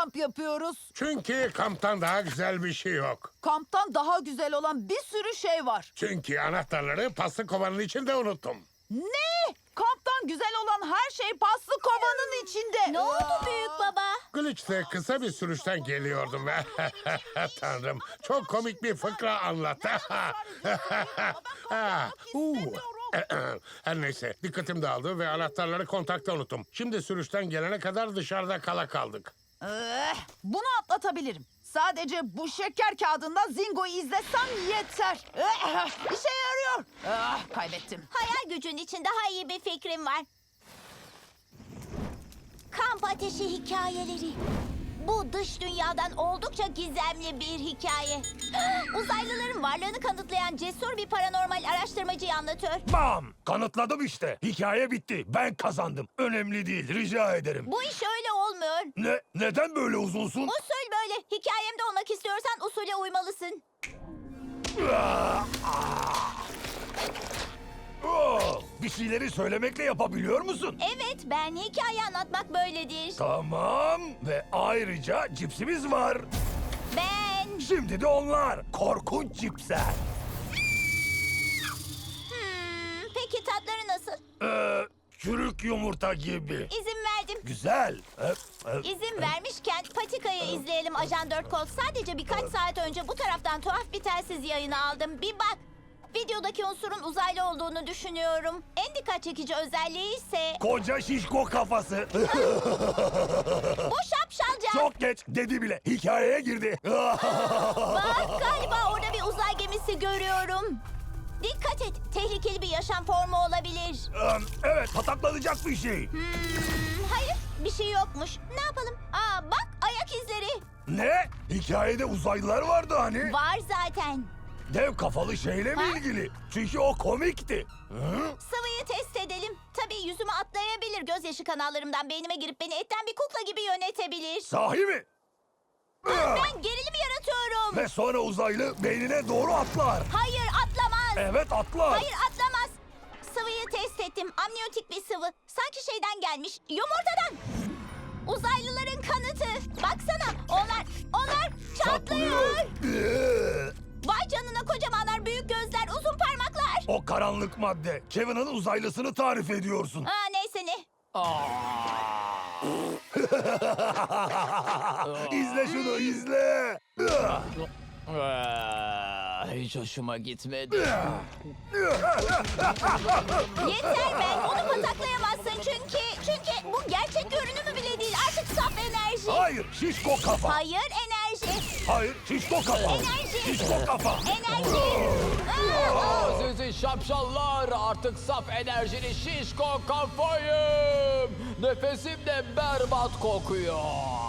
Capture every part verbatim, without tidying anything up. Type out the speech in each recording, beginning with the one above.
kamp yapıyoruz? Çünkü kamptan daha güzel bir şey yok. Kamptan daha güzel olan bir sürü şey var. Çünkü anahtarları paslı kovanın içinde unuttum. Ne? Kamptan güzel olan her şey paslı kovanın içinde. Ne oldu büyük baba? Glitch'te kısa bir sürüşten geliyordum. Tanrım, çok komik bir fıkra anlattı. Ha, uu. Her neyse, dikkatim dağıldı ve anahtarları kontakta unuttum. Şimdi sürüşten gelene kadar dışarıda kala kaldık. Eh, bunu atlatabilirim. Sadece bu şeker kağıdından Zingo'yu izlesem yeter. Eh, işe yarıyor. Ah, kaybettim. Hayal gücün için daha iyi bir fikrim var. Kamp ateşi hikayeleri. Bu dış dünyadan oldukça gizemli bir hikaye. Uzaylıların varlığını kanıtlayan cesur bir paranormal araştırmacıyı anlatıyor. Bam! Kanıtladım işte. Hikaye bitti. Ben kazandım. Önemli değil. Rica ederim. Bu iş öyle olmuyor. Ne? Neden böyle uzunsun? Usul böyle. Hikayemde olmak istiyorsan usule uymalısın. Oh, bir şeyleri söylemekle yapabiliyor musun? Evet, ben hikaye anlatmak böyledir. Tamam. Ve ayrıca cipsimiz var. Ben... Şimdi de onlar. Korkunç cipsler. Hmm, peki tatları nasıl? Ee, çürük yumurta gibi. İzin verdim. Güzel. Öp, öp. İzin vermişken Patika'yı izleyelim Ajan dört Kol. Sadece birkaç saat önce bu taraftan tuhaf bir telsiz yayını aldım. Bir bak. Videodaki unsurun uzaylı olduğunu düşünüyorum. En dikkat çekici özelliği ise Koca şişko kafası. bu şapşalca. Çok geç dedi bile. Hikayeye girdi. Bak galiba orada bir uzay gemisi görüyorum. Dikkat et. Tehlikeli bir yaşam formu olabilir. Ee, evet, pataklanacak bir şey. Hmm, hayır bir şey yokmuş. Ne yapalım? Aa bak ayak izleri. Ne? Hikayede uzaylılar vardı hani. Var zaten. Dev kafalı şeyle mi Ha? ilgili? Çünkü o komikti. Hı? Sıvıyı test edelim. Tabii yüzüme atlayabilir. Gözyaşı kanallarımdan beynime girip beni etten bir kukla gibi yönetebilir. Sahi mi? Ben gerilim yaratıyorum. Ve sonra uzaylı beynine doğru atlar. Hayır atlamaz. Evet atlar. Hayır atlamaz. Sıvıyı test ettim. Amniyotik bir sıvı. Sanki şeyden gelmiş. Yumurtadan. Uzaylıların kanıtı. Baksana onlar, onlar çatlıyor. Ee, Vay canına kocamanlar, büyük gözler, uzun parmaklar. O karanlık madde. Kevin'in uzaylısını tarif ediyorsun. Aa neyse ne. İzle şunu izle. Aa, hiç hoşuma gitmedi. Yeter ben. Onu pataklayamazsın çünkü. Çünkü bu gerçek görünümü bile değil. Artık saf enerji. Hayır şişko kafa. Hayır enerji. Hayır şişko kafa. Enerji. Şişko kafa. Enerji. Aa, aa. Sizi şapşallar, artık saf enerjili şişko kafayım. Nefesim de berbat kokuyor.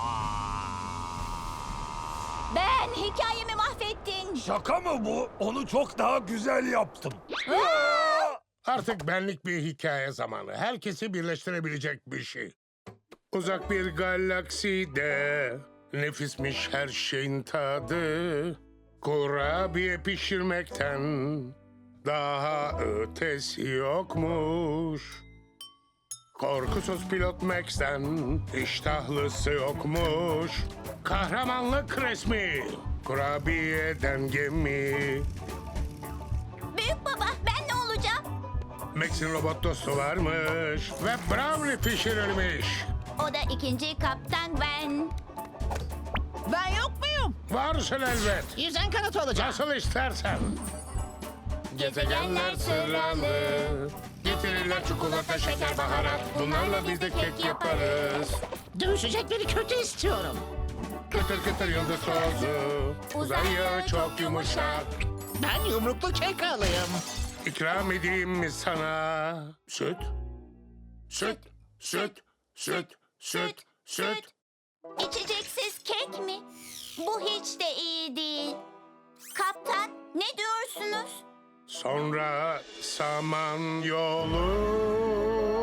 Ben hikayemi mahvettin. Şaka mı bu? Onu çok daha güzel yaptım. Artık benlik bir hikaye zamanı. Herkesi birleştirebilecek bir şey. Uzak bir galakside nefismiş her şeyin tadı. Kurabiye pişirmekten daha ötesi yokmuş. Korkusuz pilot Max'ten iştahlısı yokmuş. Kahramanlık resmi, kurabiyeden gemi. Büyük baba ben ne olacağım? Max'in robot dostu varmış ve brownie pişirilmiş. O da ikinci kaptan ben. Ben yok muyum? Varsın elbet. Yüzen kanat olacak. Nasıl istersen. Gezegenler sıralı. Getirirler çikolata, şeker, baharat. Bunlarla biz de kek yaparız. Dövüşecekleri kötü istiyorum. Kıtır kıtır yıldız tozu. Uzay yağı çok yumuşak. Ben yumruklu kek alayım. İkram edeyim mi sana? Süt. Süt. Süt. Süt. Süt. Süt. İçeceksiz kek mi? Bu hiç de iyi değil. Kaptan ne diyorsunuz? Sonra saman yolu